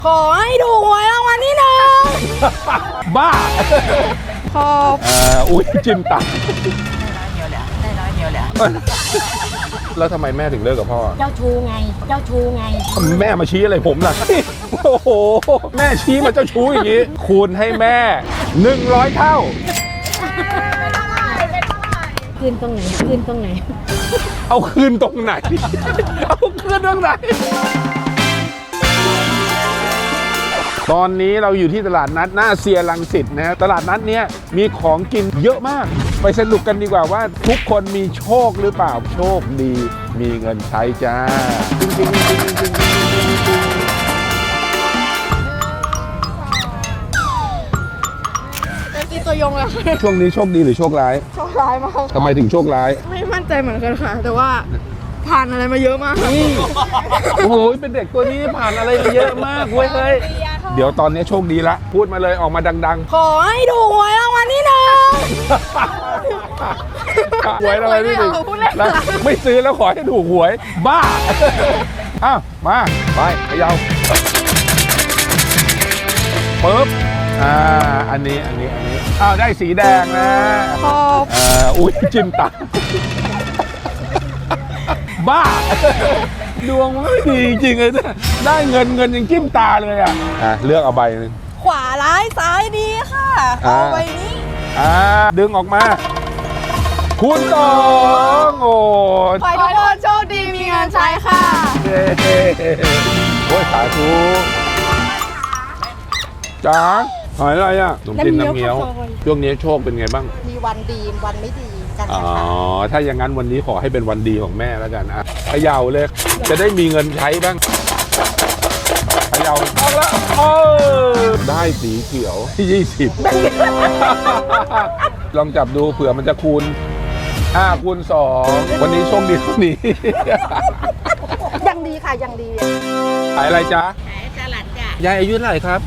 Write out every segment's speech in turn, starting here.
ขอให้ถูกหวยรางวัลที่หนึ่งบ้าขอบอุ้ยจิ้มตับได้ร้อยเดียวแหละแล้วทำไมแม่ถึงเลิกกับพ่อเจ้าชูไง เจ้าชูไงแม่มาชี้อะไรผมล่ะ โอ้โห แม่ชี้มาเจ้าชู้อย่างนี้ คูณให้แม่ 100 เท่าคืนตรงไหน คืนตรงไหนเอาคืนตรงไหน เอาคืนตรงไหน ตอนนี้เราอยู่ที่ตลาดนัดหน้าเซียรังสิตนะฮะตลาดนัดเนี้ยมีของกินเยอะมาก ไปสนุกกันดีกว่าว่าทุกคนมีโชคหรือเปล่า โชคดี มีเงินใช้จ้าจริงๆตีตัวยงเลยช่วงนี้โชคดีหรือโชคร้ายโชคร้ายมากทำไมถึงโชคร้ายไม่มั่นใจเหมือนกันค่ะ แต่ว่าผ่านอะไรมาเยอะมากโอ้โห เป็นเด็กตัวนี้ผ่านอะไรมาเยอะมากเว้ยเฮ้ยเดี๋ยวตอนนี้โชคดีละ พูดมาเลยออกมาดังขอให้ถูกหวยรางวัลที่หนึ่งๆ หวยอะไรนี่ดิพูดเล่นแล้วไม่ซื้อแล้วขอให้ถูกหวย บ้า อ้าว มาไปเขย่าปึ๊บอันนี้อ้าวได้สีแดงนะขอบอุ้ยจิ้มตับบ้า ดวงมันไม่ดีจริงๆเลยเนี่ยได้เงินยังจิ้มตาเลยอ่ะเลือกเอาใบหนึงขวาร้ายซ้ายดีค่ะ เอาใบนี้ดึงออกมา คูณ2โอ้ขอให้ทุกคนโชคดีมีเงินใช้ค่ะเย้โอ้ยสาธุจ๋าหอยอะไรอ่ะขนมจีนน้ำเงี้ยว ช่วงนี้โชคเป็นไงบ้างมีวันดีวันไม่ดีกันอ๋อนะคะถ้าอย่างนั้นวันนี้ขอให้เป็นวันดีของแม่แล้วกันเขย่าเลย จะได้มีเงินใช้บ้างเขย่าออกแล้วได้สีเขียวที่ 20 ลองจับดูเผื่อมันจะคูณ5 คูณ 2 วันนี้โชคดีเท่านี้ยังดีค่ะยังดีขายอะไรจ๊ะขายสลัดจ้ะยายอายุเท่าไหร่ครับ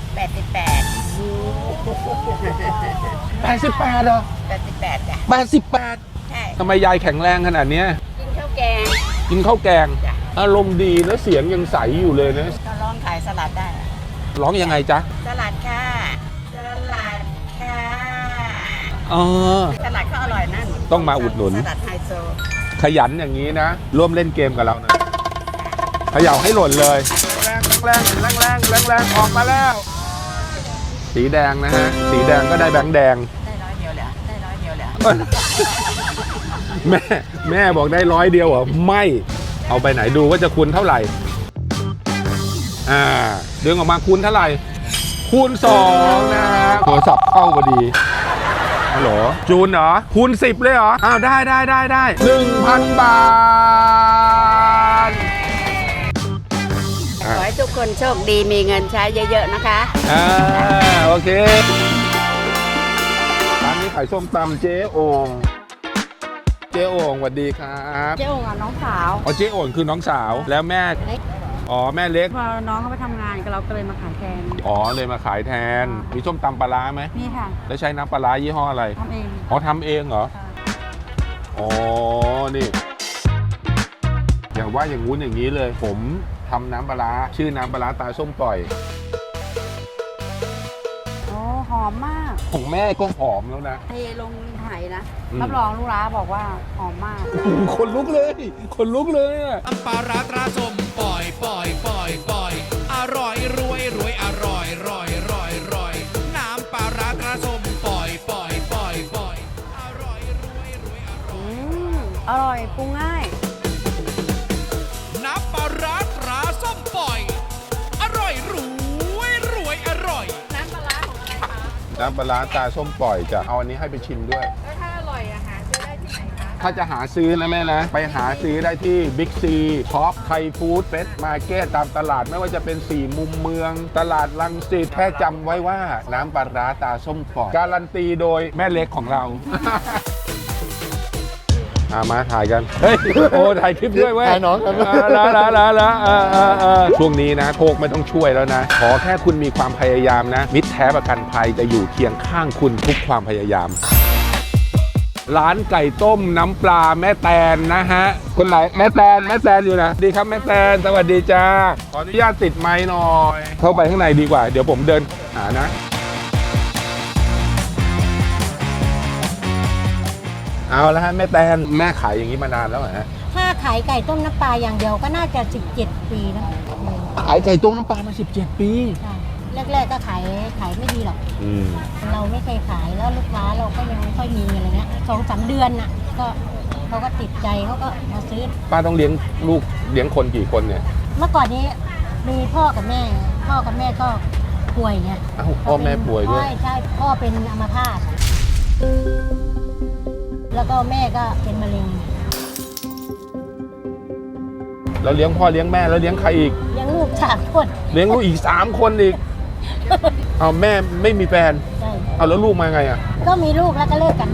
88เหรอ 88จ้ะ 88 ใช่ทำไมยายแข็งแรงขนาดเนี้ยกินข้าวแกงกินข้าวแกงจ้ะอารมณ์ดีแล้วเสียงยังใสอยู่เลยนะก็ลองขายสลัดได้ร้องยังไงจ๊ะสลัดค่ะสลัดค่ะอ๋อสลัดเขาอร่อยนั่นต้องมาอุดหนุนสลัดไฮโซขยันอย่างนี้นะ ร่วมเล่นเกมกับเรานะเขย่าให้หล่นเลย แรงออกมาแล้ว สีแดงนะฮะ สีแดงก็ได้แบงค์แดงได้ร้อยเดียวเหรอได้ร้อยเดียวเหรอแม่บอกได้100 เดียวเหรอ ไม่ เอาไปไหนดูว่าจะคูณเท่าไหร่ ดึงออกมาคูณเท่าไหร่ คูณ 2 นะฮะโทรศัพท์เข้าพอดีฮัลโหลจูนเหรอ คูณ 10 เลยเหรอ อ้าว ได้ 1,000 บาทขอให้ทุกคนโชคดีมีเงินใช้เยอะๆนะคะโอเคร้านนี้ขายส้มตำเจ๊โอ่งเจ๊โอ่งสวัสดีครับเจ๊โอ่งอ่ะน้องสาวอ๋อเจ๊โอ่งคือน้องสาวแล้วแม่เล็กอ๋อแม่เล็กพอน้องเขาไปทำงานก็เราก็เลยมาขายแทนอ๋อเลยมาขายแทน มีส้มตำปลาร้าไหมนี่ค่ะแล้วใช้น้ำปลาร้ายี่ห้ออะไรทำเองอ๋อทำเองเหรอ อ๋อ นี่ อย่างว่าอย่างงู้นอย่างนี้เลย ผมทำน้ำปลาร้าชื่อน้ำปลาร้าตาส้มปล่อยโอ้หอมมากของแม่ก็หอมแล้วนะเทลงไหนะอืมรับรองลูกร้าบอกว่าหอมมากคนลุกเลยคนลุกเลยอะน้ำปลาร้าตราส้มปล่อยอร่อยรวยอร่อยน้ำปลาร้าตราส้มปล่อยอร่อยรวยอร่อยอร่อยปรุงง่ายน้ำปลาร้าตราส้มปล่อยอร่อยรวยอร่อยน้ำปลาร้าของอะไรคะน้ำปลาร้าตาส้มปล่อยจะเอาอันนี้ให้ไปชิมด้วยแล้วถ้าอร่อยอะหาซื้อได้ที่ไหนคะถ้าจะหาซื้อนะแม่นะ ไปหาซื้อได้ที่บิ๊กซีท็อปไทยฟู้ดเฟสมาร์เก็ตตามตลาดไม่ว่าจะเป็น4มุมเมือง ตลาดรังสิตแค่จำไว้ว่าน้ำปลาร้าตาส้มปล่อย การันตีโดยแม่เล็กของเรา มาถ่ายกัน เฮ้ย โอ้ ถ่ายคลิปด้วยเว้ยถ่ายน้องกันแล้วช่วงนี้นะโชคไม่ต้องช่วยแล้วนะ ขอแค่คุณมีความพยายามนะ มิตรแท้ประกันภัยจะอยู่เคียงข้างคุณทุกความพยายามร้านไก่ต้มน้ำปลาแม่แตนนะฮะคนไหนแม่แตนอยู่นะดีครับแม่แตนสวัสดีจ้าขออนุญาตติดไมค์หน่อยเข้าไปข้างในดีกว่าเดี๋ยวผมเดินหานะเอาละฮะแม่แตนแม่ขายอย่างนี้มานานแล้วเหรอฮะถ้าขายไก่ต้มน้ำปลาอย่างเดียวก็น่าจะ17 ปีนะขายไก่ต้มน้ำปลามา17 ปีใช่แรกๆก็ขายไม่ดีหรอก เราไม่เคยขายแล้วลูกค้าเราก็ยังไม่ค่อยมีอะไรเงี้ย2-3 เดือนน่ะก็เขาก็ติดใจเขาก็มาซื้อป้าต้องเลี้ยงลูกเลี้ยงคนกี่คนเนี่ยเมื่อก่อนนี้มีพ่อกับแม่ก็ป่วยไงอ้าวพ่อแม่ป่วยด้วยใช่พ่อเป็นอัมพาตแล้วก็แม่ก็เป็นมะเร็งแล้วเลี้ยงพ่อเลี้ยงแม่แล้วเลี้ยงใครอีกเลี้ยงลูก3 คนเลี้ยงลูกอีก3 คนอีกเอาแม่ไม่มีแฟนใช่เอาแล้วลูกมาไงอ่ะก็มีลูกแล้วก็เลิกกัน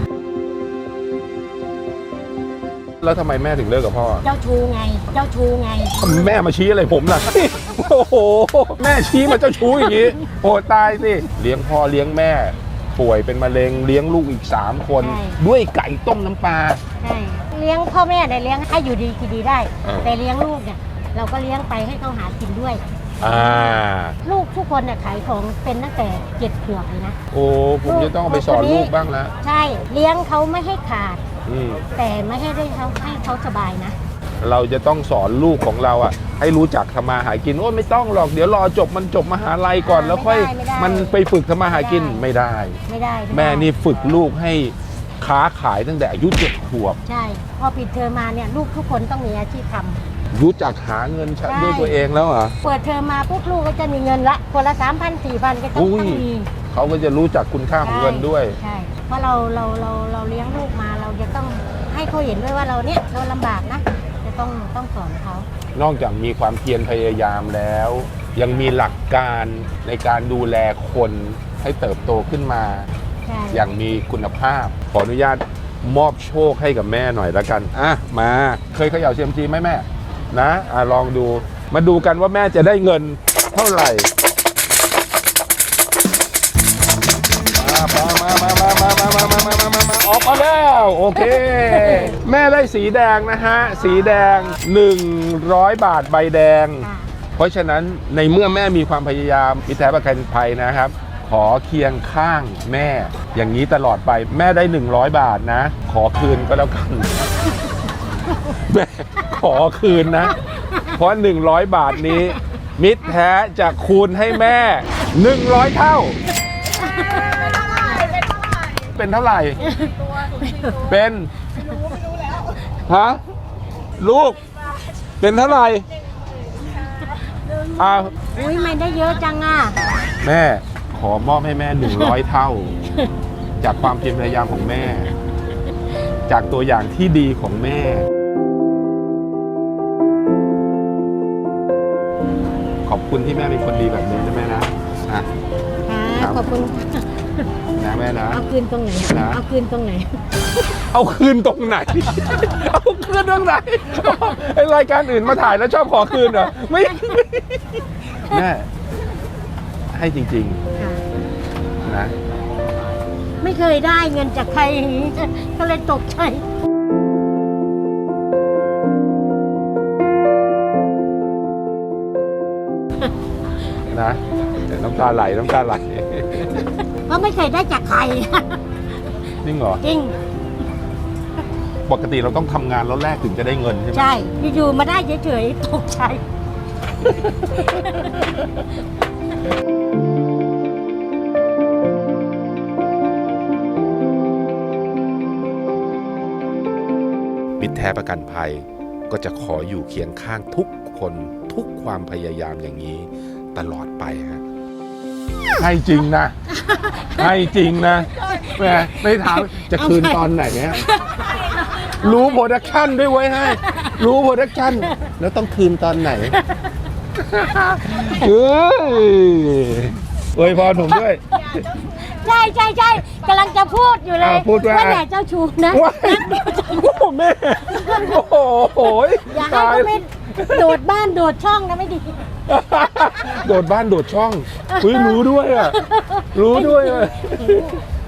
แล้วทำไมแม่ถึงเลิกกับพ่อเจ้าชู้ไงแม่มาชี้อะไรผมล่ะ โอ้โหแม่ชี้มาเจ้าชู้อย่างนี้โอ้ตายสิเลี้ยงพ่อเลี้ยงแม่ป่วยเป็นมะเร็งเลี้ยงลูกอีก3 คน ด้วยไก่ต้มน้ำปลาใช่เลี้ยงพ่อแม่ได้เลี้ยงให้อยู่ดีกินดีได้อ่าแต่เลี้ยงลูกเนี่ยเราก็เลี้ยงไปให้เขาหากินด้วย ลูกทุกคนเนี่ยขายของเป็นตั้งแต่7 ขวบเลยนะโอ้ผมจะต้องเอาไปสอนลูกบ้างแล้วใช่เลี้ยงเขาไม่ให้ขาดอืมแต่ไม่ให้ได้ให้เขาสบายนะเราจะต้องสอนลูกของเราอ่ะให้รู้จักทำมาหากินโอ้ไม่ต้องหรอกเดี๋ยวรอจบมหาลัยก่อนแล้วค่อยไม่ได้มันไปฝึกทำมาหากินไม่ได้ไม่ได้แม่นี่ฝึกลูกให้ค้าขายตั้งแต่อายุ7 ขวบใช่พอปิดเทอมมาเนี่ยลูกทุกคนต้องมีอาชีพทำรู้จักหาเงินใช้ด้วยตัวเองแล้วเหรอเปิดเทอมมาปุ๊บลูกก็จะมีเงินละคนละ 3,000 4,000 ก็ต้องอุ้ยมีเขาก็จะรู้จักคุณค่าของเงินด้วยใช่เพราะเราเลี้ยงลูกมาเราจะต้องให้เขาเห็นด้วยว่าเราเนี่ยเราลำบากนะจะต้องสอนเขานอกจากมีความเพียรพยายามแล้ว ยังมีหลักการในการดูแลคนให้เติบโตขึ้นมาใช่อย่างมีคุณภาพ ขออนุญาตมอบโชคให้กับแม่หน่อยละกันอ่ะมาเคยเขย่าเซียมซีไหมแม่นะลองดูมาดูกันว่าแม่จะได้เงินเท่าไหร่มาออกมาแล้วโอเค แม่ได้สีแดงนะฮะสีแดง100 บาทใบแดงค่ะเพราะฉะนั้นในเมื่อแม่มีความพยายามมิตรแท้ประกันภัยนะครับ ขอเคียงข้างแม่อย่างนี้ตลอดไปแม่ได้100 บาทนะ ขอคืนก็แล้วกัน แม่ขอคืนนะ เพราะ100 บาทนี้ มิตรแท้จะคูณให้แม่100 เท่า เป็นเท่าไหร่ เป็นฮะลูกเป็นเท่าไหร่อ้าวอุ้ยไม่ได้เยอะจังอ่ะแม่ขอมอบให้แม่100 เท่า จากความเพียรพยายามของแม่ จากตัวอย่างที่ดีของแม่ ขอบคุณที่แม่เป็นคนดีแบบนี้นะแม่นะอ่ะ ครัค่ะบขอบคุณนะแม่นะเอาคืนตรงไหนนะเอาคืนตรงไหนเอาคืนตรงไหน เอาคืนตรงไหนไอรายการอื่นมาถ่ายแล้วชอบขอคืนเหรอไม่แม่ให้จริงค่ะๆนะไม่เคยได้เงินจากใครอย่างนี้ ก็เลยตกใจนะเดี๋ยวน้ำตาไหลก็ไม่เคยได้จากใครจริงเหรอจริงปกติเราต้องทำงานแล้วแรกถึงจะได้เงินใช่ไหมใช่ อยู่ๆมาได้เฉยๆตกใจมิตรแท้ประกันภัยก็จะขออยู่เคียงข้างทุกคนทุกความพยายามอย่างนี้ตลอดไปฮะให้จริงนะ ให้จริงนะแหมไม่ถามจะคืนตอนไหนเนี่ยรู้โปรดักชั่นด้วยไว้ให้ รู้โปรดักชั่นแล้วต้องคืนตอนไหนเฮ้ยอวยพรผมด้วยใช่กำลังจะพูดอยู่เลยพูดว่าอย่าเจ้าชู้นะว้ายโอ้แม่โอ้โหอย่าให้เขาไม่โดดบ้านโดดช่องนะไม่ดีโดดบ้านโดดช่องรู้ด้วยอ่ะ รู้ด้วยอ่ะ